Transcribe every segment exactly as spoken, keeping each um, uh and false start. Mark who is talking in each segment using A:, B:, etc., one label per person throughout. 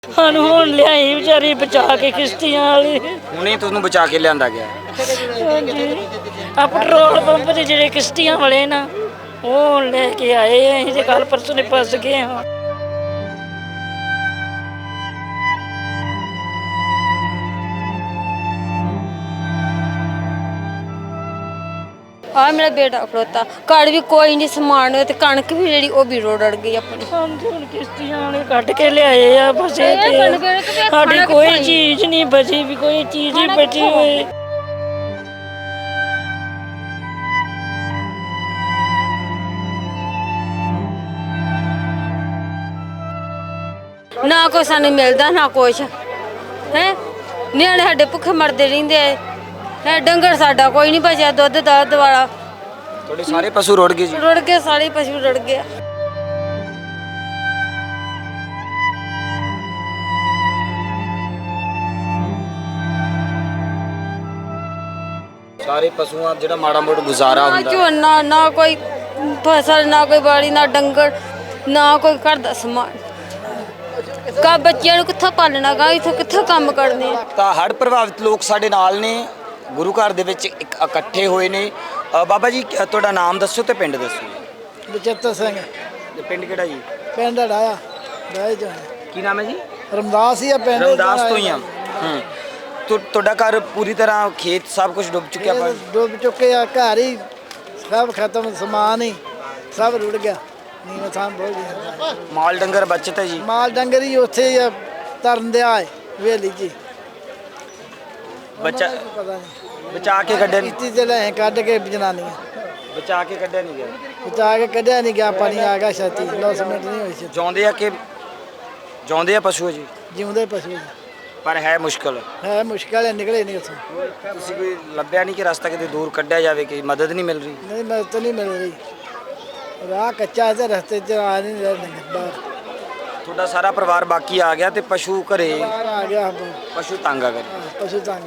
A: ਸਾਨੂੰ ਹੁਣ ਲਿਆਈ ਵਿਚਾਰੀ ਬਚਾ ਕੇ ਕਿਸ਼ਤੀਆਂ ਵਾਲੀ।
B: ਹੁਣੇ ਤੁਹਾਨੂੰ ਬਚਾ ਕੇ ਲਿਆਂਦਾ ਗਿਆ।
A: ਹਾਂਜੀ ਆ ਪੈਟਰੋਲ ਪੰਪ ਤੇ ਜਿਹੜੇ ਕਿਸ਼ਤੀਆਂ ਵਾਲੇ ਨਾ ਉਹ ਹੁਣ ਲੈ ਕੇ ਆਏ ਆ। ਅਸੀਂ ਤੇ ਕੱਲ ਪਰਸੋਂ ਨੇ ਫਸ ਗਏ ਹਾਂ।
C: ਆ ਮੇਰਾ ਬੇਟਾ ਖੜੋਤਾ ਘਰ ਵੀ ਕੋਈ ਨਹੀਂ ਸਮਾਨ ਤੇ ਕਣਕ ਵੀ ਜਿਹੜੀ ਉਹ ਵੀ ਰੋੜ ਅੜ ਗਈ ਆਪਣੀ।
A: ਹਾਂਜੀ ਹੁਣ ਕਿਸ਼ਤੀਆਂ ਵਾਲੇ ਕੱਢ ਕੇ ਲਿਆਏ ਆ ਬਸੇ ਤੇ ਸਾਡੀ ਕੋਈ ਚੀਜ਼ ਨਹੀਂ ਬਚੀ ਵੀ ਕੋਈ ਚੀਜ਼ ਹੀ ਬਚੀ ਹੋਏ।
C: ਨਾ ਕੋਈ ਸਾਨੂੰ ਮਿਲਦਾ ਨਾ ਕੁਛ ਹੈ। ਨਿਆਣੇ ਸਾਡੇ ਭੁੱਖੇ ਮਰਦੇ ਰਹਿੰਦੇ ਆ। ਡੰਗਰ ਸਾਡਾ ਕੋਈ ਨਹੀਂ ਬਚਿਆ ਦੁੱਧ ਦਾ ਵਾਲਾ।
B: ਤੁਹਾਡੇ ਸਾਰੇ ਪਸ਼ੂ ਰੁੜ ਗਏ ਜੀ?
C: ਰੁੜ ਗਏ ਸਾਰੇ ਪਸ਼ੂ ਰੁੜ ਗਏ।
B: ਸਾਰੇ ਪਸ਼ੂਆਂ ਜਿਹੜਾ ਮਾੜਾ ਮੋੜ ਗੁਜ਼ਾਰਾ
C: ਨਾ
B: ਹੁੰਦਾ।
C: ਝੋਨਾ ਨਾ ਕੋਈ ਫਸਲ ਨਾ ਕੋਈ ਬਾੜੀ ਨਾ ਡੰਗਰ ਨਾ ਕੋਈ ਘਰ ਦਾ ਸਮਾਨ। ਕਾ ਬੱਚਿਆਂ ਨੂੰ ਕਿੱਥੋਂ ਪਾਲਣਾ ਗਾ ਇੱਥੇ ਕਿੱਥੋਂ ਕੰਮ ਕਰਨੇ ਆ।
B: ਤਾਂ ਹੜ੍ਹ ਪ੍ਰਭਾਵਿਤ ਲੋਕ ਸਾਡੇ ਨਾਲ ਨੇ ਗੁਰੂ ਘਰ ਦੇ ਵਿੱਚ ਇੱਕ ਇਕੱਠੇ ਹੋਏ ਨੇ। ਅ, ਬਾਬਾ ਜੀ ਅ, ਤੁਹਾਡਾ ਨਾਮ ਦੱਸੋ ਤੇ ਪਿੰਡ ਦੱਸੋ।
D: ਬਚਿੱਤਰ ਸਿੰਘ
B: ਤੇ ਪਿੰਡ ਕਿਹੜਾ ਜੀ?
D: ਪਿੰਡ ਡਾਇਆ ਡਾਇਆ ਜੋ
B: ਕੀ ਨਾਮ ਹੈ ਜੀ?
D: ਰਮਦਾਸ ਹੀ ਆ ਪਿੰਡ।
B: ਰਮਦਾਸ ਤੋਂ ਹੀ ਆ। ਹੂੰ ਤੁ- ਤੁਹਾਡਾ ਘਰ ਪੂਰੀ ਤਰ੍ਹਾਂ ਖੇਤ ਸਭ ਕੁਝ ਡੁੱਬ ਚੁੱਕਿਆ? ਪਰ
D: ਡੁੱਬ ਚੁੱਕੇ ਆ ਘਰ ਹੀ ਸਭ ਖਤਮ ਸਮਾਨ ਹੀ ਸਭ ਰੁੜ ਗਿਆ। ਨੀਵੇਂ ਥਾਂ ਬਹੁਤ ਗਿਆ।
B: ਮਾਲ ਡੰਗਰ ਬਚਤ ਹੈ ਜੀ?
D: ਮਾਲ ਡੰਗਰ ਹੀ ਉੱਥੇ ਹੀ ਆ, ਤਰਨ ਦਿਆ ਹੈ ਵੇਲੀ ਜੀ।
B: ਬੱਚਾ
D: ਪਤਾ ਨਹੀਂ
B: ਬਚਾ ਕੇ ਕੱਢਿਆ ਨਹੀਂ?
D: ਕਿਸ਼ਤੀ ਤੇ ਲੈ ਕੱਢ ਕੇ ਜਨਾਨੀਆਂ
B: ਬਚਾ ਕੇ ਕੱਢਿਆ ਨਹੀਂ ਗਿਆ?
D: ਬਚਾ ਕੇ ਕੱਢਿਆ ਨਹੀਂ ਗਿਆ। ਪਾਣੀ ਆ ਗਿਆ ਛਾਤੀ ਦਸ ਮਿੰਟ ਨਹੀਂ ਹੋਈ ਸੀ।
B: ਜਿਉਂਦੇ ਆ ਕਿ ਜਿਉਂਦੇ ਆ ਪਸ਼ੂ ਜੀ?
D: ਜਿਉਂਦੇ ਪਸ਼ੂ
B: ਪਰ ਹੈ ਮੁਸ਼ਕਲ।
D: ਹੈ ਮੁਸ਼ਕਲ ਹੈ ਨਿਕਲੇ ਨਹੀਂ ਉੱਥੋਂ।
B: ਤੁਸੀਂ ਕੋਈ ਲੱਭਿਆ ਨਹੀਂ ਕਿ ਰਸਤਾ ਕਿਤੇ ਦੂਰ ਕੱਢਿਆ ਜਾਵੇ ਕਿ ਮਦਦ ਨਹੀਂ ਮਿਲ ਰਹੀ?
D: ਨਹੀਂ ਮੈਂ ਤਾਂ ਨਹੀਂ ਮਿਲ ਰਹੀ। ਰਾਹ ਕੱਚਾ ਹੈ ਤੇ ਰਸਤੇ 'ਚ ਆ ਨਹੀਂ ਰਹੇ ਡੰਗਰ ਬਾਹਰ।
B: ਤੁਹਾਡਾ ਸਾਰਾ ਪਰਿਵਾਰ ਬਾਕੀ ਆ ਗਿਆ ਤੇ ਪਸ਼ੂ ਘਰੇ?
D: ਬਾਹਰ ਆ ਗਿਆ
B: ਪਸ਼ੂ ਤੰਗ ਆ ਗਏ।
D: ਪਸ਼ੂ ਤੰਗ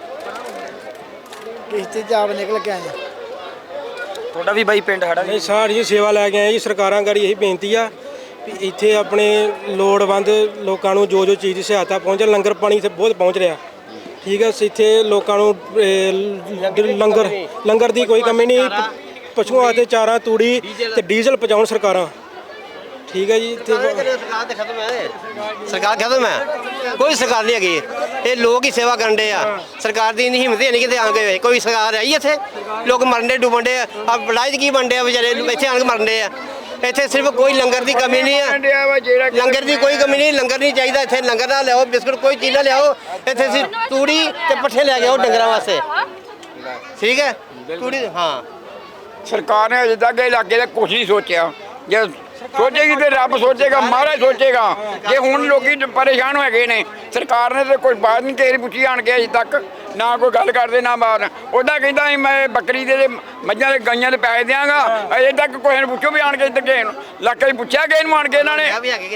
D: ਕਿਸ਼ਤੀ 'ਚ ਆਪ ਨਿਕਲ ਕੇ ਆਏ।
B: ਤੁਹਾਡਾ ਵੀ ਬਾਈ ਪਿੰਡ ਹੜਾ?
E: ਨਹੀਂ ਸਾਰੀ ਸੇਵਾ ਲੈ ਕੇ ਆਏ ਜੀ। ਸਰਕਾਰਾਂ ਗਾੜੀ ਇਹੀ ਬੇਨਤੀ ਆ ਵੀ ਇੱਥੇ ਆਪਣੇ ਲੋੜਵੰਦ ਲੋਕਾਂ ਨੂੰ ਜੋ ਜੋ ਚੀਜ਼ ਦੀ ਸਹਾਇਤਾ ਪਹੁੰਚੇ। ਲੰਗਰ ਪਾਣੀ ਇੱਥੇ ਬਹੁਤ ਪਹੁੰਚ ਰਿਹਾ ਠੀਕ ਹੈ। ਇੱਥੇ ਲੋਕਾਂ ਨੂੰ ਇਹ, ਲੰਗਰ ਲੰਗਰ ਦੀ ਕੋਈ ਕਮੀ ਨਹੀਂ। ਪਸ਼ੂਆਂ ਅਤੇ ਚਾਰਾ ਤੂੜੀ ਤੇ ਡੀਜ਼ਲ ਪਹੁੰਚਾਉਣ ਸਰਕਾਰਾਂ ਠੀਕ ਹੈ ਜੀ।
F: ਸਰਕਾਰ ਤੇ ਖਤਮ ਹੈ। ਸਰਕਾਰ ਖਤਮ ਹੈ। ਕੋਈ ਸਰਕਾਰ ਨਹੀਂ ਹੈਗੀ। ਇਹ ਲੋਕ ਹੀ ਸੇਵਾ ਕਰਨ ਦੇ ਆ। ਸਰਕਾਰ ਦੀ ਇੰਨੀ ਹਿੰਮਤ ਨਹੀਂ ਕਿਤੇ ਆ ਗਏ। ਕੋਈ ਸਰਕਾਰ ਆਈ ਇੱਥੇ? ਲੋਕ ਮਰਨ ਦੇ ਡੁੱਬਣ ਦੇ ਆ। ਲੜਾਈ ਕੀ ਬਣਦੇ ਆ ਵਿਚਾਰੇ ਇੱਥੇ ਆਣ ਕੇ ਮਰਨ ਦੇ ਆ। ਇੱਥੇ ਸਿਰਫ ਕੋਈ ਲੰਗਰ ਦੀ ਕਮੀ ਨਹੀਂ ਹੈ। ਲੰਗਰ ਦੀ ਕੋਈ ਕਮੀ ਨਹੀਂ। ਲੰਗਰ ਨਹੀਂ ਚਾਹੀਦਾ ਇੱਥੇ। ਲੰਗਰ ਨਾ ਲਿਆਓ ਬਿਸਕੁਟ ਕੋਈ ਚੀਜ਼ ਨਾ ਲਿਆਓ ਇੱਥੇ। ਅਸੀਂ ਤੂੜੀ ਤੇ ਪੱਠੇ ਲੈ ਕੇ ਆਓ ਡੰਗਰਾਂ ਵਾਸਤੇ ਠੀਕ ਹੈ। ਤੂੜੀ ਹਾਂ
G: ਸਰਕਾਰ ਨੇ ਅਜੇ ਤੱਕ ਇਲਾਕੇ ਦਾ ਕੁਛ ਨਹੀਂ ਸੋਚਿਆ। ਜੇ ਸੋਚੇਗੀ ਤੇ ਰੱਬ ਸੋਚੇਗਾ, ਮਹਾਰਾਜ ਸੋਚੇਗਾ। ਜੇ ਹੁਣ ਲੋਕੀ ਪਰੇਸ਼ਾਨ ਹੋ ਗਏ ਨੇ ਸਰਕਾਰ ਨੇ ਤੇ ਕੋਈ ਬਾਤ ਨਹੀਂ ਕਿਸੇ ਪੁੱਛੀ ਆਣ ਕੇ ਅਜੇ ਤੱਕ ਨਾ ਕੋਈ ਗੱਲ ਕਰਦੇ ਨਾ ਬਾਤ। ਉਹਦਾ ਕਹਿੰਦਾ ਸੀ ਮੈਂ ਬੱਕਰੀ ਦੇ ਮੱਝਾਂ ਦੇ ਗਾਈਆਂ ਦੇ ਪੈਸੇ ਦਿਆਂਗਾ। ਅਜੇ ਤੱਕ ਕੋਈ ਨੂੰ ਪੁੱਛੋ ਵੀ ਆਣ ਕੇ ਇੱਧਰ ਕਿਸੇ ਨੂੰ ਇਲਾਕੇ 'ਚ ਪੁੱਛਿਆ ਕਿਸੇ ਨੂੰ ਆਣ ਕੇ ਇਹਨਾਂ ਨੇ?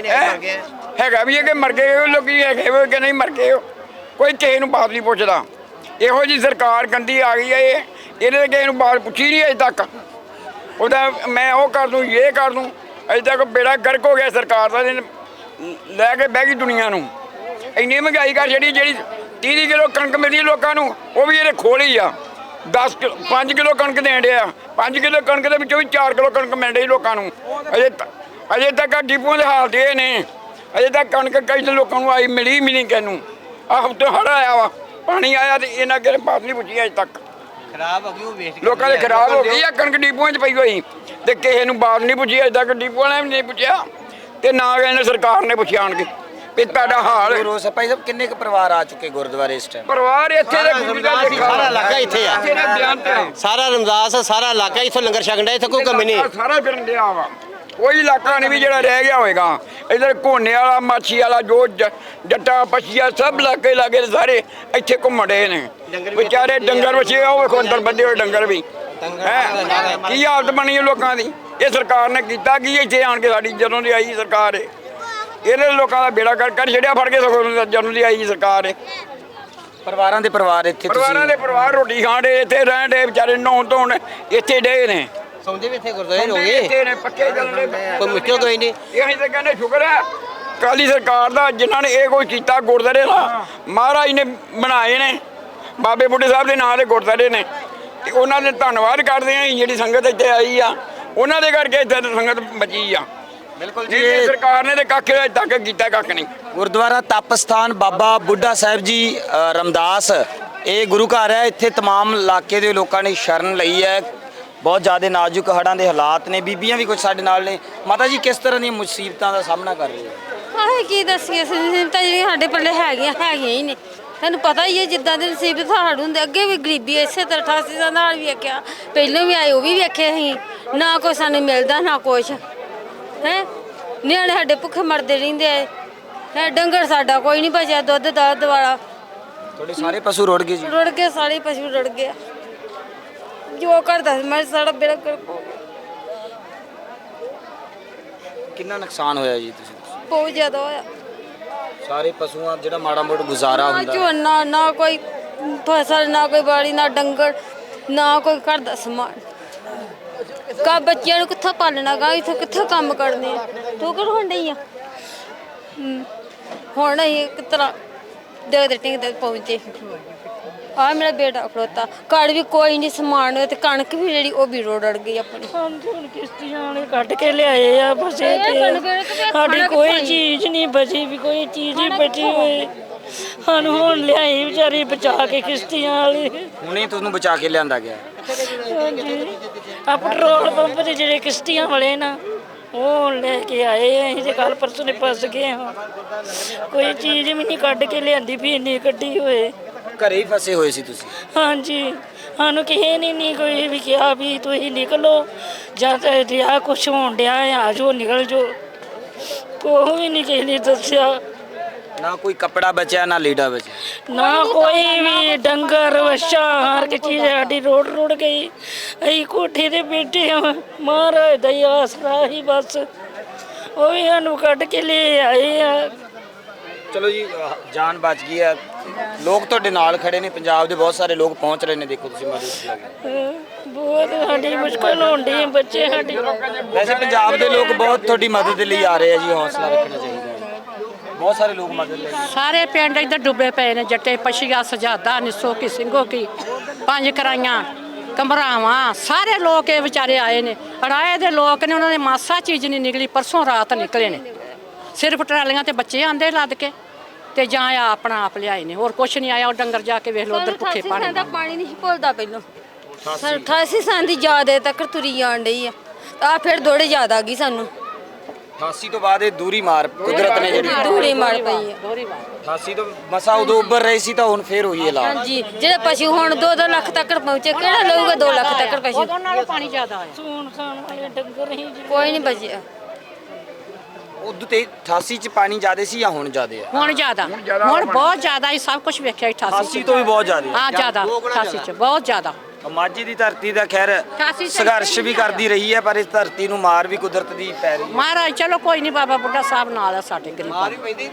G: ਹੈਗਾ ਵੀ ਹੈ ਕਿ ਮਰ ਗਏ ਲੋਕੀ ਹੈਗੇ ਹੋਏ ਕਿ ਨਹੀਂ ਮਰ ਗਏ। ਕੋਈ ਕਿਸੇ ਨੂੰ ਬਾਤ ਨਹੀਂ ਪੁੱਛਦਾ। ਇਹੋ ਜਿਹੀ ਸਰਕਾਰ ਗੰਦੀ ਆ ਗਈ ਹੈ। ਇਹ ਇਹਨੇ ਕਿਸੇ ਨੂੰ ਬਾਤ ਪੁੱਛੀ ਨਹੀਂ ਅਜੇ ਤੱਕ। ਉਹਦਾ ਮੈਂ ਉਹ ਕਰ ਦੂੰ ਇਹ ਕਰ ਦੂੰ। ਅਜੇ ਤੱਕ ਬੇੜਾ ਗਰਕ ਹੋ ਗਿਆ ਸਰਕਾਰ ਦਾ। ਲੈ ਕੇ ਬਹਿ ਗਈ ਦੁਨੀਆ ਨੂੰ। ਇੰਨੀ ਮਹਿੰਗਾਈ ਕਰ ਜਿਹੜੀ ਜਿਹੜੀ ਤੀਹ ਕਿਲੋ ਕਣਕ ਮਿਲਦੀ ਲੋਕਾਂ ਨੂੰ ਉਹ ਵੀ ਇਹਦੇ ਖੋਲ ਹੀ ਆ। ਦਸ ਕਿਲੋ ਪੰਜ ਕਿਲੋ ਕਣਕ ਦੇਣ ਡਿਆ। ਪੰਜ ਕਿਲੋ ਕਣਕ ਦੇ ਵਿੱਚੋਂ ਵੀ ਚਾਰ ਕਿਲੋ ਕਣਕ ਮਿਲ ਰਹੀ ਲੋਕਾਂ ਨੂੰ। ਅਜੇ ਅਜੇ ਤੱਕ ਡਿਪੂਆਂ ਦੇ ਹਾਲਤ ਇਹ ਨੇ। ਅਜੇ ਤੱਕ ਕਣਕ ਕਈ ਲੋਕਾਂ ਨੂੰ ਆਈ ਮਿਲੀ ਮਿਲੀ ਕਿਸੇ ਨੂੰ। ਆਹ ਹਫ਼ਤੇ ਹੜ੍ਹ ਆਇਆ ਵਾ ਪਾਣੀ ਆਇਆ ਤੇ ਇਹਨਾਂ ਕਿਸੇ ਬਾਤ ਨਹੀਂ ਪੁੱਛੀ ਅਜੇ ਤੱਕ।
F: ਖਰਾਬ ਹੋ ਗਈ ਉਹ ਵੇਸਟ
G: ਲੋਕਾਂ ਦੇ ਖਰਾਬ ਹੋ ਗਈ ਆ ਕਣਕ ਡਿਪੂਆਂ 'ਚ ਪਈ ਹੋਈ ਤੇ ਕਿਸੇ ਨੂੰ ਬਾਤ ਨਹੀਂ ਪੁੱਛੀ ਅਜੇ ਤੱਕ। ਡਿਪੂ ਵਾਲਿਆਂ ਨੇ ਵੀ ਨਹੀਂ ਪੁੱਛਿਆ ਤੇ ਨਾ ਇਹਨੇ ਸਰਕਾਰ ਨੇ ਪੁੱਛਿਆ ਆਣ ਕੇ ਵੀ ਤੁਹਾਡਾ ਹਾਲ।
B: ਰੋਸ ਭਾਈ ਸਾਹਿਬ ਕਿੰਨੇ ਕੁ ਪਰਿਵਾਰ ਆ ਚੁੱਕੇ ਗੁਰਦੁਆਰੇ ਇਸ ਟਾਈਮ?
G: ਪਰਿਵਾਰ ਇੱਥੇ ਦੇ
F: ਸਾਰਾ ਇਲਾਕਾ ਇੱਥੇ ਆ। ਸਾਰਾ ਰਮਦਾਸ ਸਾਰਾ ਇਲਾਕਾ ਇੱਥੋਂ ਲੰਗਰ ਛਕਣ ਦਾ। ਇੱਥੇ ਕੋਈ ਕਮੀ ਨਹੀਂ।
G: ਸਾਰਾ ਫਿਰਨ ਡਿਆ ਵਾ। ਕੋਈ ਇਲਾਕਾ ਨਹੀਂ ਵੀ ਜਿਹੜਾ ਰਹਿ ਗਿਆ ਹੋਵੇਗਾ। ਇੱਧਰ ਘੋਨੇ ਵਾਲਾ ਮਾਛੀ ਵਾਲਾ ਜੋ ਜੱਟਾ ਪਛੀਆ ਸਭ ਇਲਾਕੇ ਲਾਗੇ ਸਾਰੇ ਇੱਥੇ ਘੁੰਮਣ ਰਹੇ ਨੇ ਵਿਚਾਰੇ। ਡੰਗਰ ਵਛੇ ਉਹ ਵੇਖੋ ਅੰਦਰ ਬੱਧੇ ਹੋਏ ਡੰਗਰ ਵੀ ਹੈ। ਕੀ ਹਾਲਤ ਬਣੀ ਹੈ ਲੋਕਾਂ ਦੀ। ਇਹ ਸਰਕਾਰ ਨੇ ਕੀਤਾ ਕੀ ਇੱਥੇ ਆਣ ਕੇ? ਸਾਡੀ ਜਦੋਂ ਦੀ ਆਈ ਸਰਕਾਰ ਹੈ ਇਹਨੇ ਲੋਕਾਂ ਦਾ ਬੇੜਾ ਕਰ ਕਰ ਛੱਡਿਆ ਫੜ ਕੇ। ਸਗੋਂ ਜਦੋਂ ਦੀ ਆਈ ਸਰਕਾਰ ਹੈ
B: ਪਰਿਵਾਰਾਂ ਦੇ ਪਰਿਵਾਰ ਇੱਥੇ
G: ਪਰਿਵਾਰਾਂ ਦੇ ਪਰਿਵਾਰ ਰੋਟੀ ਖਾਣ ਡੇ ਇੱਥੇ ਰਹਿਣ ਡੇ ਵਿਚਾਰੇ ਨਹਾਉਣ ਧੋਣ ਇੱਥੇ ਡੇ ਨੇ।
F: ਸੌਂਦੇ ਵੀ ਇੱਥੇ ਗੁਰਦੁਆਰੇ ਹੋ ਗਏ।
G: ਇੱਥੇ ਨੇ ਪੱਕੇ ਚੱਲਣੇ
F: ਕੋਈ ਮੁਸ਼ਕਿਲ ਕੋਈ ਨਹੀਂ।
G: ਇਹ ਅਸੀਂ ਤਾਂ ਕਹਿੰਦੇ ਸ਼ੁਕਰ ਹੈ ਅਕਾਲੀ ਸਰਕਾਰ ਦਾ ਜਿਨ੍ਹਾਂ ਨੇ ਇਹ ਕੋਈ ਕੀਤਾ ਗੁਰਦੁਆਰੇ ਦਾ ਮਹਾਰਾਜ ਨੇ ਬਣਾਏ ਨੇ ਬਾਬੇ ਬੁੱਢੇ ਸਾਹਿਬ ਦੇ ਨਾਂ ਦੇ ਗੁਰਦੁਆਰੇ ਨੇ ਤੇ ਉਹਨਾਂ ਦੇ ਧੰਨਵਾਦ ਕਰਦੇ ਆ ਜਿਹੜੀ ਸੰਗਤ ਇੱਥੇ ਆਈ ਆ ਉਹਨਾਂ ਦੇ ਕਰਕੇ ਇੱਥੇ ਸੰਗਤ ਬਚੀ ਆ।
B: ਬਿਲਕੁਲ
G: ਜੀ ਇਹ ਸਰਕਾਰ ਨੇ ਤੇ ਕੱਖ ਅਜੇ ਤੱਕ ਕੀਤਾ ਕੱਖ ਨਹੀਂ।
B: ਗੁਰਦੁਆਰਾ ਤਪ ਸਥਾਨ ਬਾਬਾ ਬੁੱਢਾ ਸਾਹਿਬ ਜੀ ਅ, ਰਮਦਾਸ ਇਹ ਗੁਰੂ ਘਰ ਹੈ। ਇੱਥੇ तमाम ਇਲਾਕੇ ਦੇ ਲੋਕਾਂ ਨੇ ਸ਼ਰਨ ਲਈ ਹੈ। ਬਹੁਤ ਜ਼ਿਆਦਾ ਨਾਜ਼ੁਕ ਹੜ੍ਹਾਂ ਦੇ ਹਾਲਾਤ ਨੇ। ਬੀਬੀਆਂ ਵੀ ਕੁਝ ਸਾਡੇ ਨਾਲ ਨੇ। ਮਾਤਾ ਜੀ ਕਿਸ ਤਰ੍ਹਾਂ ਦੀਆਂ ਮੁਸੀਬਤਾਂ ਦਾ ਸਾਹਮਣਾ ਕਰ ਰਹੇ ਹੋ?
C: ਆਹ ਕੀ ਦੱਸੀਏ ਮੁਸੀਬਤਾਂ ਜਿਹੜੀਆਂ ਸਾਡੇ ਪੱਲੇ ਹੈਗੀਆਂ ਹੈਗੀਆਂ ਹੀ ਨੇ। ਤੁਹਾਨੂੰ ਪਤਾ ਹੀ ਹੈ ਜਿੱਦਾਂ ਦੇ ਨਸੀਬ ਸਾਡੇ ਹੁੰਦੇ ਅੱਗੇ ਵੀ ਗਰੀਬੀ ਇਸੇ ਤਰ੍ਹਾਂ ਅਠਾਸੀ ਸਾਲ ਨਾਲ ਵੀ ਵੇਖਿਆ ਪਹਿਲਾਂ ਵੀ ਆਏ ਉਹ ਵੀ ਵੇਖੇ ਅਸੀਂ ਨਾ ਕੋਈ ਸਾਨੂੰ ਮਿਲਦਾ ਨਾ ਕੁਛ ਹੈ। ਨਿਆਣੇ ਸਾਡੇ ਭੁੱਖੇ ਮਰਦੇ ਰਹਿੰਦੇ ਆ ਹੈ। ਡੰਗਰ ਸਾਡਾ ਕੋਈ ਨਹੀਂ ਬਚਿਆ ਦੁੱਧ ਦਾ ਦੁਆਲਾ
B: ਤੁਹਾਡੇ ਸਾਰੇ ਪਸ਼ੂ ਰੁੜ ਗਏ ਜੀ?
C: ਰੁੜ ਗਏ ਸਾਰੇ ਪਸ਼ੂ ਰੁੜ ਗਏ ਜੋ ਕਰਦਾ ਮੈਂ ਸਾਡਾ ਬੇੜਾ ਗਰਕ ਹੋ ਗਿਆ।
B: ਕਿੰਨਾ ਨੁਕਸਾਨ ਹੋਇਆ ਜੀ? ਤੁਸੀਂ
C: ਬਹੁਤ ਜ਼ਿਆਦਾ ਹੋਇਆ।
B: ਸਾਰੇ ਪਸ਼ੂਆਂ ਜਿਹੜਾ ਮਾੜਾ ਮੋੜ ਗੁਜ਼ਾਰਾ
C: ਨਾ
B: ਹੁੰਦਾ
C: ਝੋਨਾ ਨਾ ਕੋਈ ਫਸਲ ਨਾ ਕੋਈ ਬਾੜੀ ਨਾ ਡੰਗਰ ਨਾ ਕੋਈ ਘਰ ਦਾ ਸਮਾਨ। ਕਾ ਬੱਚਿਆਂ ਨੂੰ ਕਿੱਥੋਂ ਪਾਲਣਾ ਗਾ ਇੱਥੋਂ ਕਿੱਥੋਂ ਕੰਮ ਕਰਨੇ ਆ ਠੋਕਰ ਹੋਣ ਡਈ ਆ। ਹਮ, ਹੁਣ ਅਸੀਂ ਇੱਕ ਤਰ੍ਹਾਂ ਦੇ ਦੇ ਟਿੰਗ ਤੇ ਪਹੁੰਚੇ। ਆ ਮੇਰਾ ਬੇਟਾ ਖੜੋਤਾ ਘਰ ਵੀ ਕੋਈ ਨਹੀਂ ਸਮਾਨ ਤੇ ਕਣਕ ਵੀ ਜਿਹੜੀ ਉਹ ਵੀ ਰੋੜ ਅੜ ਗਈ ਆਪਣੀ।
A: ਹਾਂਜੀ ਹੁਣ ਕਿਸ਼ਤੀਆਂ ਵਾਲੇ ਕੱਢ ਕੇ ਲਿਆਏ ਆ ਬਸੇ ਤੇ ਸਾਡੀ ਕੋਈ ਚੀਜ਼ ਨਹੀਂ ਬਚੀ ਵੀ ਕੋਈ ਚੀਜ਼ ਹੀ ਬਚੀ ਹੋਈ। ਸਾਨੂੰ ਹੁਣ ਲਿਆਈ ਵਿਚਾਰੀ ਬਚਾ ਕੇ ਕਿਸ਼ਤੀਆਂ ਵਾਲੇ।
B: ਹੁਣੇ ਤੁਹਾਨੂੰ ਬਚਾ ਕੇ ਲਿਆਂਦਾ ਗਿਆ?
A: ਹਾਂਜੀ ਆ ਪੈਟਰੋਲ ਪੰਪ ਤੇ ਜਿਹੜੇ ਕਿਸ਼ਤੀਆਂ ਵਾਲੇ ਨਾ ਉਹ ਲੈ ਕੇ ਆਏ ਆ। ਅਸੀਂ ਤੇ ਕੱਲ ਪਰਸੋਂ ਨੇ ਫਸ ਗਏ ਹਾਂ। ਕੋਈ ਚੀਜ਼ ਵੀ ਨਹੀਂ ਕੱਢ ਕੇ ਲਿਆਂਦੀ ਵੀ ਇੰਨੀ ਕੱਢੀ ਹੋਏ।
B: ਘਰੇ ਹੀ ਫਸੇ ਹੋਏ ਸੀ ਤੁਸੀਂ?
A: ਹਾਂਜੀ ਸਾਨੂੰ ਕਿਸੇ ਨੇ ਨਹੀਂ ਕੋਈ ਵੀ ਕਿਹਾ ਵੀ ਤੁਸੀਂ ਨਿਕਲੋ ਜਾਂ ਤਾਂ ਰਿਹਾ ਕੁਛ ਹੋਣ ਡਿਆ ਆ ਜੋ ਨਿਕਲ ਜੋ। ਕੋਈ ਵੀ ਨਹੀਂ ਕਿਸੇ ਨੇ ਦੱਸਿਆ।
B: ਨਾ ਕੋਈ ਕੱਪੜਾ ਬਚਿਆ ਨਾ ਲੀੜਾ ਬਚਿਆ?
A: ਨਾ ਕੋਈ ਵੀ ਡੰਗਰ ਵੱਛਾ ਹਰ ਇੱਕ ਚੀਜ਼ ਸਾਡੀ ਰੋੜ ਰੋੜ ਗਈ। ਅਸੀਂ ਕੋਠੇ ਤੇ ਬੈਠੇ ਹਾਂ ਮਹਾਰਾਜ ਦਾ ਹੀ ਆਸਰਾ ਹੀ ਬਸ ਉਹ ਵੀ ਸਾਨੂੰ ਕੱਢ ਕੇ ਲੈ ਆਏ ਆ।
B: ਚਲੋ ਜੀ ਅ, ਜਾਨ ਬਚ ਗਈ ਹੈ। ਲੋਕ ਤੁਹਾਡੇ ਨਾਲ ਖੜੇ ਨੇ। ਪੰਜਾਬ ਦੇ ਬਹੁਤ ਸਾਰੇ ਲੋਕ ਪਹੁੰਚ ਰਹੇ ਨੇ। ਦੇਖੋ ਤੁਸੀਂ ਮਦਦ
A: ਅਹ ਬਹੁਤ ਸਾਡੀ ਮੁਸ਼ਕਲ ਹੋਣ ਡਈ ਬੱਚੇ ਸਾਡੀ।
B: ਵੈਸੇ ਪੰਜਾਬ ਦੇ ਲੋਕ ਬਹੁਤ ਤੁਹਾਡੀ ਮਦਦ ਲਈ ਆ ਰਹੇ ਆ ਜੀ। ਹੌਸਲਾ ਰੱਖਣਾ ਚਾਹੀਦਾ ਹੈ। ਬਹੁਤ ਸਾਰੇ ਲੋਕ ਮਦਦ ਲਈ।
H: ਸਾਰੇ ਪਿੰਡ ਇੱਧਰ ਡੁੱਬੇ ਪਏ ਨੇ। ਜੱਟੇ ਪਛੀਆ ਸਜਾਦਾ ਨਿੱਸੋ ਕੀ ਸਿੰਘੋ ਕੀ ਪੰਜ ਕਰਾਈਆਂ ਕਮਰਾਵਾਂ ਸਾਰੇ ਲੋਕ ਇਹ ਵਿਚਾਰੇ ਆਏ ਨੇ। ਅੜਾਏ ਦੇ ਲੋਕ ਨੇ ਉਹਨਾਂ ਦੇ ਮਾਸਾ ਚੀਜ਼ ਨਹੀਂ ਨਿਕਲੀ। ਪਰਸੋਂ ਰਾਤ ਨਿਕਲੇ ਨੇ ਸਿਰਫ ਟਰਾਲੀਆਂ ਤੇ ਬੱਚੇ ਆਂਦੇ ਲੱਦ ਕੇ ਤੇ ਜਾਂ ਆ ਆਪਣਾ ਆਪ ਲਿਆਏ ਨੇ। ਹੋਰ ਕੁਛ ਨਹੀਂ ਆਇਆ। ਉਹ ਡੰਗਰ ਜਾ ਕੇ ਵੇਖ ਲਓ ਉਧਰ ਭੁੱਖੇ ਪਾਣੀ
C: ਦਾ ਪਾਣੀ ਨਹੀਂ ਭੁੱਲਦਾ ਪਹਿਲਾਂ ਅਠਾਸੀ ਸਾਲ ਦੀ ਯਾਦ ਹੈ ਤੱਕ ਤੁਰੀ ਜਾਣ ਡਈ ਆ ਆ ਫਿਰ ਥੋੜੇ ਯਾਦ ਆ ਗਈ ਸਾਨੂੰ।
B: ਅਠਾਸੀ ਤੋਂ ਬਾਅਦ ਇਹ ਦੂਰੀ ਮਾਰ ਕੁਦਰਤ ਨੇ ਜਿਹੜੀ
C: ਦੂਰੀ ਮਾਰ ਪਈ ਹੈ।
B: ਅਠਾਸੀ ਤੋਂ ਮਸਾ ਉਦੋਂ ਉੱਭਰ ਰਹੀ ਸੀ ਤਾਂ ਹੁਣ ਫੇਰ ਹੋਈ ਹੈ ਲਾ।
C: ਹਾਂਜੀ ਜਿਹੜੇ ਪਸ਼ੂ ਹੁਣ ਦੋ ਦੋ ਲੱਖ ਤੱਕ ਪਹੁੰਚੇ ਕਿਹੜਾ ਲਊਗਾ ਦੋ ਲੱਖ ਤੱਕ ਪਸ਼ੂ?
H: ਉਹਨਾਂ ਨਾਲ ਪਾਣੀ ਜ਼ਿਆਦਾ ਆਇਆ।
A: ਸੂਣ ਖਾਣ ਵਾਲੇ ਡੰਗਰ ਹੀ
C: ਕੋਈ ਨਹੀਂ ਬਚਿਆ।
B: ਉਦੋਂ ਤੇ ਅਠਾਸੀ ਚ ਪਾਣੀ ਜ਼ਿਆਦਾ ਸੀ ਜਾਂ ਹੁਣ ਜ਼ਿਆਦਾ ਹੈ?
H: ਹੁਣ ਜ਼ਿਆਦਾ ਹੁਣ ਬਹੁਤ ਜ਼ਿਆਦਾ ਹੀ ਸਭ ਕੁਝ ਵੇਖਿਆ ਅਠਾਸੀ
B: ਅਠਾਸੀ ਤੋਂ ਵੀ ਬਹੁਤ ਜ਼ਿਆਦਾ
H: ਹਾਂ ਜ਼ਿਆਦਾ ਅਠਾਸੀ ਚ ਬਹੁਤ ਜ਼ਿਆਦਾ।
B: ਮਾਝੇ ਦੀ ਧਰਤੀ ਦਾ ਖੈਰ ਸੰਘਰਸ਼ ਵੀ ਕਰਦੀ ਰਹੀ ਹੈ ਪਰ ਇਸ ਧਰਤੀ ਨੂੰ ਮਾਰ ਵੀ ਕੁਦਰਤ ਦੀ ਪੈ ਰਹੀ ਹੈ।
H: ਮਹਾਰਾਜ ਚਲੋ ਕੋਈ ਨਹੀਂ ਬਾਬਾ ਬੁੱਢਾ ਸਾਹਿਬ ਨਾਲ ਆ ਸਾਡੇ ਗਰੀਬਾਂ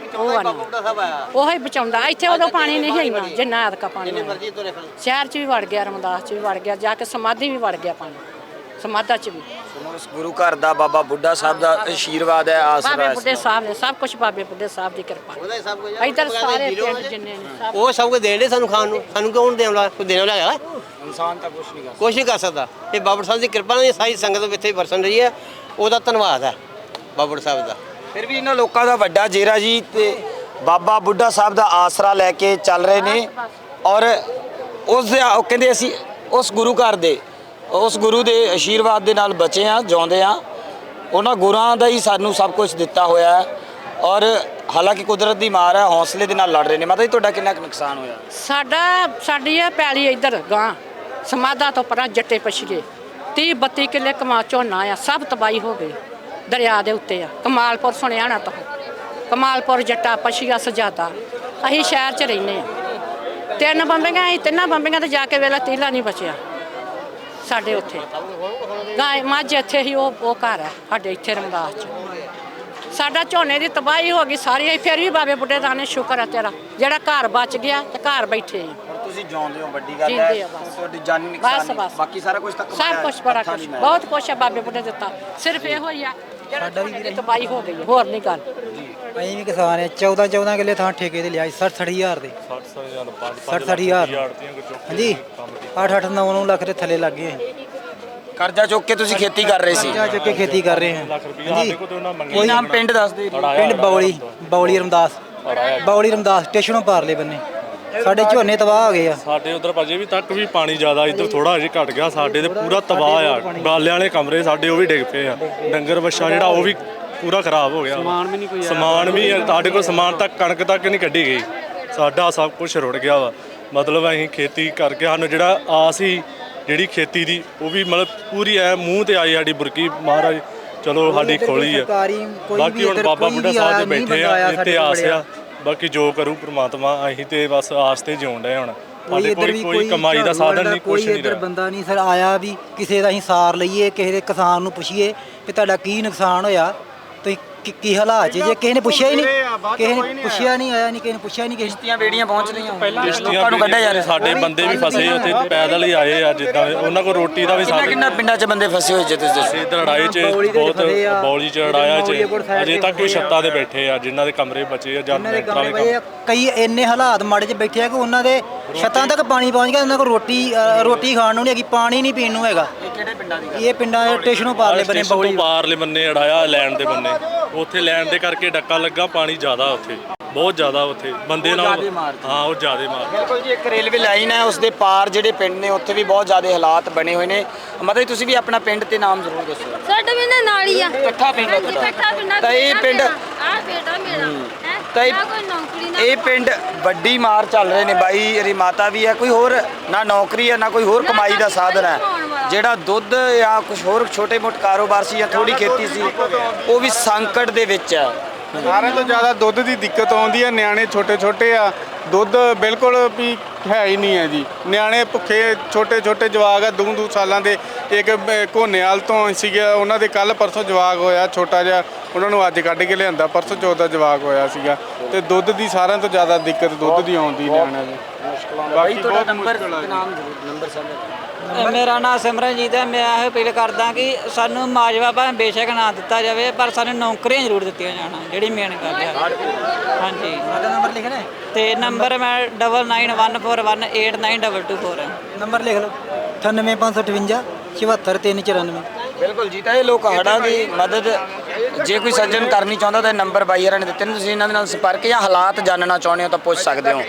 H: ਉਹ ਹੀ ਬਚਾਉਂਦਾ। ਇੱਥੇ ਉਦੋਂ ਪਾਣੀ ਨਹੀਂ ਇੰਨਾ ਜਿੰਨਾ ਐਤਕਾ ਪਾਣੀ ਸ਼ਹਿਰ ਚ ਵੀ ਵੜ ਗਿਆ ਰਮਦਾਸ ਚ ਵੀ ਵੜ ਗਿਆ ਜਾ ਕੇ ਸਮਾਧੀ ਵੀ ਵੜ ਗਿਆ ਪਾਣੀ ਸਮਾਧਾ ਚ ਵੀ।
B: ਉਸ ਗੁਰੂ ਘਰ ਦਾ ਬਾਬਾ ਬੁੱਢਾ ਸਾਹਿਬ ਦਾ ਆਸ਼ੀਰਵਾਦ ਹੈ ਆਸਰਾ
H: ਬਾਬੇ
B: ਹੈ।
H: ਬੁੱਢੇ ਸਾਹਿਬ ਨੇ ਸਭ ਕੁਝ ਬਾਬੇ ਬੁੱਢੇ ਸਾਹਿਬ ਦੀ ਕਿਰਪਾ। ਇੱਧਰ ਸਾਰੇ ਪਿੰਡ ਜਿੰਨੇ ਨੇ ਸਭ
F: ਉਹ ਸਭ ਕੁਝ ਦੇਣ ਦੇ ਸਾਨੂੰ ਖਾਣ ਨੂੰ। ਸਾਨੂੰ ਕਿਉਂ ਦੇਣ ਵਾਲਾ ਕੋਈ ਦੇਣ ਵਾਲਾ ਹੈਗਾ?
B: ਇਨਸਾਨ ਤਾਂ ਕੁਛ ਨਹੀਂ ਕਰ
F: ਕੁਛ ਨਹੀਂ ਕਰ ਸਕਦਾ। ਇਹ ਬਾਬਾ ਸਾਹਿਬ ਦੀ ਕਿਰਪਾ ਨਾਲ ਸਾਰੀ ਸੰਗਤ ਇੱਥੇ ਵਰਸਣ ਰਹੀ ਹੈ। ਉਹਦਾ ਧੰਨਵਾਦ ਹੈ ਬਾਬਾ ਸਾਹਿਬ ਦਾ।
B: ਫਿਰ ਵੀ ਇਹਨਾਂ ਲੋਕਾਂ ਦਾ ਵੱਡਾ ਜੇਰਾ ਜੀ ਤੇ ਬਾਬਾ ਬੁੱਢਾ ਸਾਹਿਬ ਦਾ ਆਸਰਾ ਲੈ ਕੇ ਚੱਲ ਰਹੇ ਨੇ ਔਰ ਉਸ ਦੇ ਉਹ ਕਹਿੰਦੇ ਅਸੀਂ ਉਸ ਗੁਰੂ ਘਰ ਦੇ ਉਸ ਗੁਰੂ ਦੇ ਆਸ਼ੀਰਵਾਦ ਦੇ ਨਾਲ ਬਚੇ ਆ ਜਿਉਂਦੇ ਆ। ਉਹਨਾਂ ਗੁਰਾਂ ਦਾ ਹੀ ਸਾਨੂੰ ਸਭ ਕੁਝ ਦਿੱਤਾ ਹੋਇਆ ਹੈ ਔਰ ਹਾਲਾਂਕਿ ਕੁਦਰਤ ਦੀ ਮਾਰ ਹੈ ਹੌਸਲੇ ਦੇ ਨਾਲ ਲੜ ਰਹੇ ਨੇ। ਮਾਤਾ ਜੀ ਤੁਹਾਡਾ ਕਿੰਨਾ ਕੁ ਨੁਕਸਾਨ ਹੋਇਆ?
H: ਸਾਡਾ ਸਾਡੀ ਇਹ ਪੈਲੀ ਇੱਧਰ ਗਾਂ ਸਮਾਧਾ ਤੋਂ ਪਰਾਂ ਜੱਟੇ ਪਛੀਏ ਤੀਹ ਬੱਤੀ ਕਿੱਲੇ ਕਮਾ ਝੋਨਾ ਆ ਸਭ ਤਬਾਹੀ ਹੋ ਗਈ। ਦਰਿਆ ਦੇ ਉੱਤੇ ਆ ਕਮਾਲਪੁਰ ਸੁਣਿਆ ਨਾ ਤੋਂ ਕਮਾਲਪੁਰ ਜੱਟਾ ਪਛੀਆ ਸਜਾਦਾ। ਅਸੀਂ ਸ਼ਹਿਰ 'ਚ ਰਹਿੰਦੇ ਆ। ਤਿੰਨ ਬੰਬੀਆਂ ਅਸੀਂ ਤਿੰਨਾਂ ਬੰਬੀਆਂ ਤੇ ਜਾ ਕੇ ਵੇਲਾ ਤੀਲਾ ਨਹੀਂ ਬਚਿਆ ਸਾਡੇ ਉੱਥੇ। ਗਾਂ ਮੱਝ ਇੱਥੇ ਹੀ ਉਹ ਉਹ ਘਰ ਹੈ ਸਾਡੇ ਇੱਥੇ ਰਮਦਾਸ 'ਚ। ਸਾਡਾ ਝੋਨੇ ਦੀ ਤਬਾਹੀ ਹੋ ਗਈ ਸਾਰੀ। ਫਿਰ ਵੀ ਬਾਬੇ ਬੁੱਢੇ ਦਾ ਨੇ ਸ਼ੁਕਰ ਹੈ ਤੇਰਾ ਜਿਹੜਾ ਘਰ ਬਚ ਗਿਆ ਤੇ ਘਰ ਬੈਠੇ ਆ।
B: ਹੁਣ ਤੁਸੀਂ ਜਿਉਂਦੇ ਹੋ ਵੱਡੀ ਗੱਲ
H: ਜਿਉਂਦੇ
B: ਹੈ।
H: ਆ ਬਸ।
B: ਤੁਹਾਡੀ ਜਾਨੀ
H: ਬਸ
B: ਨੁਕਸਾਨ
H: ਬਸ
B: ਬਾਕੀ ਸਾਰਾ ਕੁਝ ਤਾਂ
H: ਸਭ ਕੁਝ ਬੜਾ ਕੁਝ ਬਹੁਤ ਕੁਝ ਹੈ ਬਾਬੇ ਬੁੱਢੇ ਦਿੱਤਾ। ਸਿਰਫ ਇਹੋ ਹੀ ਆ ਸਾਡਾ ਵੀ ਤਬਾਹੀ ਹੋ ਗਈ ਹੈ, ਹੋਰ ਨਹੀਂ ਗੱਲ।
I: ਅਸੀਂ ਵੀ ਕਿਸਾਨ ਆ, ਚੌਦਾਂ ਚੌਦਾਂ ਕਿੱਲੇ ਥਾਂ ਠੇਕੇ ਤੇ ਲਿਆ, ਸੱਠ ਸੱਠ ਹਜ਼ਾਰ ਦੇ ਸੱਠ ਸੱਠ ਹਜ਼ਾਰ ਹਾਂਜੀ, ਅੱਠ ਅੱਠ ਨੌ ਨੌ ਲੱਖ ਦੇ ਥੱਲੇ ਲੱਗ ਗਏ।
B: ਕਰਜ਼ਾ ਚੁੱਕ ਕੇ ਤੁਸੀਂ ਖੇਤੀ ਕਰ ਰਹੇ ਸੀ।
I: ਕਰਜ਼ਾ ਚੁੱਕ ਕੇ ਖੇਤੀ ਕਰ ਰਹੇ ਹਾਂ ਹਾਂਜੀ।
B: ਕੀ ਨਾਮ ਪਿੰਡ ਦੱਸ ਦੇ।
I: ਪਿੰਡ ਬੌਲੀ, ਬੌਲੀ ਰਮਦਾਸ, ਬੌਲੀ ਰਮਦਾਸ ਸਟੇਸ਼ਨੋਂ ਪਾਰਲੇ ਬੰਨੇ ਸਾਡੇ ਝੋਨੇ ਤਬਾਹ ਹੋ ਗਏ ਆ।
J: ਸਾਡੇ ਉਧਰ ਭਾਜੀ ਵੀ ਤੱਕ ਵੀ ਪਾਣੀ ਜ਼ਿਆਦਾ, ਇੱਧਰ ਥੋੜਾ ਜਿਹਾ ਘਟ ਗਿਆ, ਸਾਡੇ ਤੇ ਪੂਰਾ ਤਬਾਹ ਆ। ਬਾਲਿਆਂ ਵਾਲੇ ਕਮਰੇ ਸਾਡੇ ਉਹ ਵੀ ਡਿੱਗ ਪਏ ਆ, ਡੰਗਰ ਵੱਛਾ ਜਿਹੜਾ ਉਹ ਵੀ ਪੂਰਾ ਖਰਾਬ ਹੋ ਗਿਆ। ਸਮਾਨ ਵੀ ਨਹੀਂ ਕੋਈ, ਸਮਾਨ ਵੀ ਸਾਡੇ ਕੋਲ ਸਮਾਨ ਤੱਕ ਕਣਕ ਤੱਕ ਨਹੀਂ ਕੱਢੀ ਗਈ, ਸਾਡਾ ਸਭ ਕੁਝ ਰੁੜ ਗਿਆ ਵਾ। ਮਤਲਬ ਅਸੀਂ ਖੇਤੀ ਕਰਕੇ ਸਾਨੂੰ ਜਿਹੜਾ ਆਸ ਸੀ ਜਿਹੜੀ ਖੇਤੀ ਦੀ ਉਹ ਵੀ ਮਤਲਬ ਪੂਰੀ ਐ ਮੂੰਹ ਤੇ ਆਈ ਸਾਡੀ ਬੁਰਕੀ। ਮਹਾਰਾਜ ਚਲੋ ਸਾਡੀ ਖੋਲੀ ਆ। ਬਾਕੀ ਹੁਣ ਬਾਬਾ ਬੁੱਢਾ ਸਾਹਿਬ ਦੇ ਬੈਠੇ ਆ, ਇੱਥੇ ਆਸ ਆ, ਬਾਕੀ ਜੋ ਕਰੂ ਪ੍ਰਮਾਤਮਾ। ਅਸੀਂ ਤੇ ਬਸ ਆਸ ਤੇ ਜਿਉਣ ਡਏ ਹੁਣ। ਸਾਡੇ ਕੋਲ ਕੋਈ ਕਮਾਈ ਦਾ ਸਾਧਨ ਨਹੀਂ, ਕੁਛ ਨਹੀਂ
I: ਇੱਧਰ ਬੰਦਾ ਨਹੀਂ ਸਰ ਆਇਆ ਵੀ ਕਿਸੇ ਦਾ ਅਸੀਂ ਸਾਰ ਲਈਏ, ਕਿਸੇ ਦੇ ਕਿਸਾਨ ਨੂੰ ਪੁੱਛੀਏ ਕਿ ਤੁਹਾਡਾ ਕੀ ਨੁਕਸਾਨ ਹੋਇਆ, ਤੁਸੀਂ ਕੀ- ਕੀ ਹਾਲਾਤ 'ਚ ਜੇ ਕਿਸੇ ਨੇ ਪੁੱਛਿਆ ਹੀ ਨਹੀਂ, ਕਿਸੇ ਨੇ ਪੁੱਛਿਆ ਨਹੀਂ, ਆਇਆ ਨਹੀਂ ਕਿਸੇ ਨੇ ਪੁੱਛਿਆ ਨਹੀਂ।
B: ਕਿਸ਼ਤੀਆਂ ਬੇੜੀਆਂ ਪਹੁੰਚ ਰਹੀਆਂ,
J: ਲੋਕਾਂ ਨੂੰ ਕੱਢਿਆ ਜਾ ਰਿਹਾ। ਸਾਡੇ ਬੰਦੇ ਵੀ ਫਸੇ ਉੱਥੇ, ਪੈਦਲ ਹੀ ਆਏ ਆ, ਜਿੱਦਾਂ ਉਹਨਾਂ ਕੋਲ ਰੋਟੀ ਦਾ ਵੀ
B: ਕਿੰਨਾ
J: ਸਾਧਨ।
B: ਕਿੰਨਾ ਪਿੰਡਾਂ 'ਚ ਬੰਦੇ ਫਸੇ ਹੋਏ ਜੇ ਤੁਸੀਂ ਦੱਸੋ।
J: ਇੱਧਰ ਲੜਾਈ 'ਚ ਬਹੁਤ, ਬੌਲੀ 'ਚ ਲੜਾਇਆ 'ਚ ਅਜੇ ਤੱਕ ਵੀ ਛੱਤਾਂ ਤੇ ਬੈਠੇ ਆ, ਜਿਨ੍ਹਾਂ ਦੇ ਕਮਰੇ ਬਚੇ ਆ ਜਾਂ ਲੈਂਟਰ ਵਾਲੇ ਕੰਮ।
I: ਕਈ ਇੰਨੇ ਹਾਲਾਤ ਮਾੜੇ 'ਚ ਬੈਠੇ ਆ ਕਿ ਉਹਨਾਂ ਦੇ ਛੱਤਾਂ ਤੱਕ ਪਾਣੀ ਪਹੁੰਚ ਗਿਆ, ਉਹਨਾਂ ਕੋਲ ਰੋਟੀ ਅ, ਰੋਟੀ ਖਾਣ ਨੂੰ ਨਹੀਂ ਹੈਗੀ, ਪਾਣੀ ਨਹੀਂ ਪੀਣ ਨੂੰ ਹੈਗਾ।
B: ਇਹ ਕਿਹੜੇ ਪਿੰਡਾਂ ਦੀ?
I: ਇਹ ਪਿੰਡਾਂ ਦੇ ਸਟੇਸ਼ਨੋਂ ਪਾਰਲੇ ਬੰਨੇ
J: ਸਟੇਸ਼ਨ ਤੋਂ
I: ਬੌਲੀ
J: ਪਾਰਲੇ ਬੰਨੇ ਅੜਾਇਆ, ਲੈਣ ਦੇ ਬੰਨੇ ਉੱਥੇ ਲੈਣ ਦੇ ਕਰਕੇ ਡੱਕਾ ਲੱਗਾ, ਪਾਣੀ ਜ਼ਿਆਦਾ ਉੱਥੇ, ਬਹੁਤ ਜ਼ਿਆਦਾ ਉੱਥੇ ਬੰਦੇ ਨਾਲ। ਹਾਂ ਉਹ ਜ਼ਿਆਦਾ ਮਾਰ।
B: ਬਿਲਕੁਲ ਜੀ, ਇੱਕ ਰੇਲਵੇ ਲਾਈਨ ਹੈ, ਉਸ ਦੇ ਪਾਰ ਜਿਹੜੇ ਪਿੰਡ ਨੇ ਉੱਥੇ ਵੀ ਬਹੁਤ ਜ਼ਿਆਦਾ ਹਾਲਾਤ ਬਣੇ ਹੋਏ ਨੇ। ਮਤਲਬ ਤੁਸੀਂ ਵੀ ਆਪਣਾ ਪਿੰਡ ਤੇ ਨਾਮ ਜ਼ਰੂਰ ਦੱਸੋ।
C: ਸਾਡਾ ਵੀ ਨਾ ਨਾਲ ਹੀ ਆ,
B: ਇਕੱਠਾ ਪਿੰਡ ਹੈ ਤੁਹਾਡਾ?
C: ਇਕੱਠਾ ਪਿੰਡ ਆ।
B: ਤਾਂ ਇਹ ਪਿੰਡ
C: ਆ ਬੇਟਾ ਮੇਰਾ ਹੈ,
B: ਤਾਂ ਇਹ-
C: ਨਾ ਕੋਈ ਨੌਕਰੀ ਨਾ
B: ਇਹ ਪਿੰਡ ਵੱਡੀ ਮਾਰ ਚੱਲ ਰਹੇ ਨੇ ਬਾਈ। ਇਹਦੀ ਮਾਤਾ ਵੀ ਹੈ, ਕੋਈ ਹੋਰ ਨਾ ਨੌਕਰੀ ਹੈ ਨਾ ਕੋਈ ਹੋਰ ਕਮਾਈ ਦਾ ਸਾਧਨ ਹੈ। ਜਿਹੜਾ ਦੁੱਧ ਜਾਂ ਕੁਝ ਹੋਰ ਛੋਟੇ ਮੋਟੇ ਕਾਰੋਬਾਰ ਸੀ ਜਾਂ ਥੋੜੀ ਖੇਤੀ ਸੀ, ਉਹ ਵੀ ਸੰਕਟ ਦੇ ਵਿੱਚ ਹੈ।
K: ਸਾਰਿਆਂ ਤੋਂ ਜ਼ਿਆਦਾ ਦੁੱਧ ਦੀ ਦਿੱਕਤ ਆਉਂਦੀ ਹੈ। ਨਿਆਣੇ ਛੋਟੇ ਛੋਟੇ ਆ, ਦੁੱਧ ਬਿਲਕੁਲ ਵੀ ਹੈ ਹੀ ਨਹੀਂ ਹੈ ਜੀ। ਨਿਆਣੇ ਭੁੱਖੇ ਛੋਟੇ ਛੋਟੇ ਜਵਾਕ ਆ, ਦੋ ਦੋ ਸਾਲਾਂ ਦੇ। ਇੱਕ ਘੋਨੇਵਾਲ ਤੋਂ ਸੀਗੇ, ਉਹਨਾਂ ਦੇ ਕੱਲ ਪਰਸੋਂ ਜਵਾਕ ਹੋਇਆ ਛੋਟਾ ਜਿਹਾ, ਉਹਨਾਂ ਨੂੰ ਅੱਜ ਕੱਢ ਕੇ ਲਿਆਂਦਾ, ਪਰਸੋਂ ਚੌਥ ਦਾ ਜਵਾਕ ਹੋਇਆ ਸੀਗਾ। ਤੇ ਦੁੱਧ ਦੀ ਸਾਰਿਆਂ ਤੋਂ ਜ਼ਿਆਦਾ ਦਿੱਕਤ ਦੁੱਧ ਦੀ ਆਉਂਦੀ ਨਿਆਣਿਆਂ ਦੀ। ਬਾਕੀ ਬਹੁਤ ਮੁਸ਼ਕਲ ਆ।
B: ਨੰਬਰ ਸਮਝ
L: ਮੇਰਾ ਨਾਮ ਸਿਮਰਨਜੀਤ ਹੈ। ਮੈਂ ਇਹ ਅਪੀਲ ਕਰਦਾ ਕਿ ਸਾਨੂੰ ਮਾਜਵਾ ਭਾਵੇਂ ਬੇਸ਼ੱਕ ਨਾ ਦਿੱਤਾ ਜਾਵੇ, ਪਰ ਸਾਨੂੰ ਨੌਕਰੀਆਂ ਜ਼ਰੂਰ ਦਿੱਤੀਆਂ ਜਾਣ, ਜਿਹੜੀ ਮੇਨ ਗੱਲ ਹੈ। ਹਾਂਜੀ,
I: ਸਾਡਾ ਨੰਬਰ ਲਿਖਣਾ ਹੈ,
L: ਤੇ ਨੰਬਰ ਮੈਂ double nine one four one eight nine double two four ਹੈ।
I: ਨੰਬਰ ਲਿਖ ਲਓ ਅਠਾਨਵੇਂ ਪੰਜ ਸੌ ਅਠਵੰਜਾ ਚੁਹੱਤਰ ਤਿੰਨ ਚੁਰਾਨਵੇਂ।
B: ਬਿਲਕੁਲ ਜੀ। ਤਾਂ ਇਹ ਲੋਕ ਹੜ੍ਹਾਂ ਦੀ ਮਦਦ ਜੇ ਕੋਈ ਸੱਜਣ ਕਰਨੀ ਚਾਹੁੰਦਾ ਤਾਂ ਇਹ ਨੰਬਰ ਬਾਈ ਹਰਾਂ ਨੇ ਦਿੱਤੇ ਨੇ, ਤੁਸੀਂ ਇਹਨਾਂ ਦੇ ਨਾਲ ਸੰਪਰਕ ਜਾਂ ਹਾਲਾਤ ਜਾਣਨਾ ਚਾਹੁੰਦੇ ਹੋ ਤਾਂ ਪੁੱਛ ਸਕਦੇ ਹੋ।